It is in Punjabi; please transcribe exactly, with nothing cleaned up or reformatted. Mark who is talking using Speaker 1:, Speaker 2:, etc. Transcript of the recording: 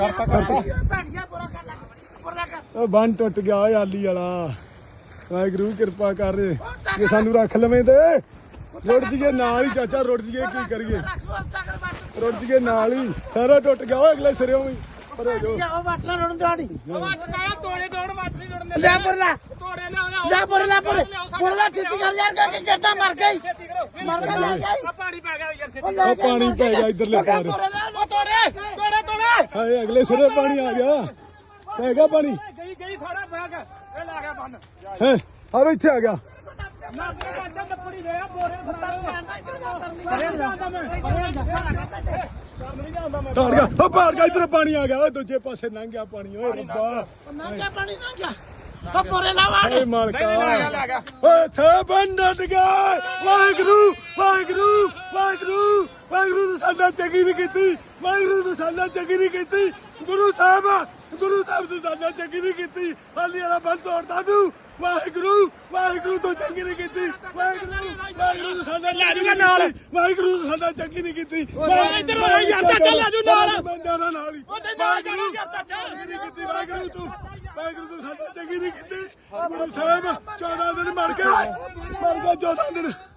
Speaker 1: ਬੰਨ ਟੁੱਟ ਗਿਆ ਓਏ ਆਲੀ ਵਾਲਾ। ਵਾਹਿਗੁਰੂ ਕਿਰਪਾ ਕਰ ਜੇ ਸਾਨੂੰ ਰੱਖ ਲਵੇਂ ਤੇ ਰੁੜ ਜੀਏ ਨਾਲ ਹੀ ਚਾਚਾ, ਰੁੜ ਜੀਏ ਕੀ ਕਰੀਏ, ਰੁੜ ਜੀਏ ਨਾਲ ਹੀ, ਸਾਰਾ ਟੁੱਟ ਗਿਆ ਓਏ ਅਗਲੇ ਸਿਰੇ ਵੀ। ਪਰ ਹੋ ਜੋ
Speaker 2: ਉਹ ਵਾਟਲਾ ਰੋਣ ਦਾੜੀ
Speaker 3: ਤੋੜੇ ਤੋੜ ਮਾਰ ਨਹੀਂ ਰੋਣ
Speaker 2: ਲੈ ਪਰਲਾ
Speaker 3: ਤੋੜੇ ਲਿਆ
Speaker 2: ਲੈ ਪਰਲਾ ਪਰ ਪਰਲਾ ਛੇਤੀ ਕਰ ਯਾਰ ਕਿ ਜੱਟਾ ਮਰ ਗਈ ਮਰ ਗਿਆ ਲੈ ਗਈ
Speaker 3: ਆ ਪਾਣੀ ਪੈ ਗਿਆ ਯਾਰ ਛੇਤੀ
Speaker 1: ਉਹ ਪਾਣੀ ਪੈ ਗਿਆ ਇਧਰਲੇ ਪਾਰ।
Speaker 3: ਉਹ ਤੋੜੇ ਤੋੜੇ ਤੋੜੇ
Speaker 1: ਹਾਏ ਅਗਲੇ ਸਿਰੇ ਪਾਣੀ ਆ ਗਿਆ, ਪੈ ਗਿਆ ਪਾਣੀ।
Speaker 3: ਗਈ ਗਈ ਸਾਰਾ ਬੈਗ ਇਹ ਲਾ ਗਿਆ ਬੰਨ
Speaker 1: ਹੈ ਆ ਇੱਥੇ ਆ ਗਿਆ।
Speaker 3: ਨਾ ਬੰਦਾ ਲੱਕੜੀ ਦੇ ਆ ਬੋਰੇ
Speaker 1: ਟਾੜ ਗਿਆ ਉਹ ਪਾੜ ਗਿਆ, ਇਧਰ ਪਾਣੀ ਆ ਗਿਆ ਓਏ, ਦੂਜੇ ਪਾਸੇ ਲੰਘ ਗਿਆ ਪਾਣੀ ਓਏ ਰੱਬਾ।
Speaker 2: ਨਾ ਗਿਆ ਪਾਣੀ ਨਾ ਗਿਆ ਉਹ ਪਰੇ ਲਾ ਵਾੜ
Speaker 1: ਓਏ ਮਾਲਕਾ ਓਏ ਛੇ ਬੰਦਟ ਗਏ। ਵਾਹਿਗੁਰੂ ਵਾਹਿਗੁਰੂ ਵਾਹਿਗੁਰੂ ਵਾਹਿਗੁਰੂ ਨੇ ਸਾਡਾ ਚੰਗੀ ਨਹੀਂ ਕੀਤੀ, ਵਾਹਿਗੁਰੂ ਨੇ ਸਾਡਾ ਚੰਗੀ ਨਹੀਂ ਕੀਤੀ। ਗੁਰੂ ਸਾਹਿਬ ਗੁਰੂ ਸਾਹਿਬ ਨੇ ਸਾਡਾ ਚੰਗੀ ਨਹੀਂ ਕੀਤੀ, ਹਾਲੀ ਵਾਲਾ ਬੰਦ ਤੋੜਦਾ ਤੂੰ। ਵਾਹਿਗੁਰੂ ਵਾਹਿਗੁਰੂ ਤੋਂ ਚੰਗੀ ਨਹੀਂ ਕੀਤੀ, ਵਾਹਿਗੁਰੂ ਵਾਹਿਗੁਰੂ ਨੇ ਸਾਡਾ ਚੰਗੀ ਨਹੀਂ ਕੀਤੀ, ਵਾਹਿਗੁਰੂ ਨੇ ਸਾਡਾ ਚੰਗੀ ਨਹੀਂ ਕੀਤੀ।
Speaker 3: ਇੱਧਰ ਆ ਯਾਰ ਚਾਚਾ ਲੈ ਜੂ ਨਾਲ
Speaker 1: ਮੈਂ ਜਾਣਾ ਨਾਲ ਹੀ।
Speaker 3: ਉਹਦੇ ਨਾਲ ਜਾਣਾ ਯਾਰ ਚਾਚਾ
Speaker 1: ਚੰਗੀ ਨਹੀਂ ਕੀਤੀ ਵਾਹਿਗੁਰੂ ਤੂੰ, ਵਾਹਿਗੁਰੂ ਤੂੰ ਸਾਡਾ ਚੰਗੀ ਨਹੀਂ ਕੀਤੀ। ਗੁਰੂ ਸਾਹਿਬ ਚੌਦਾਂ ਦਿਨ ਮਰ ਗਏ, ਮਰ ਗਏ ਚੌਦਾਂ ਦਿਨ।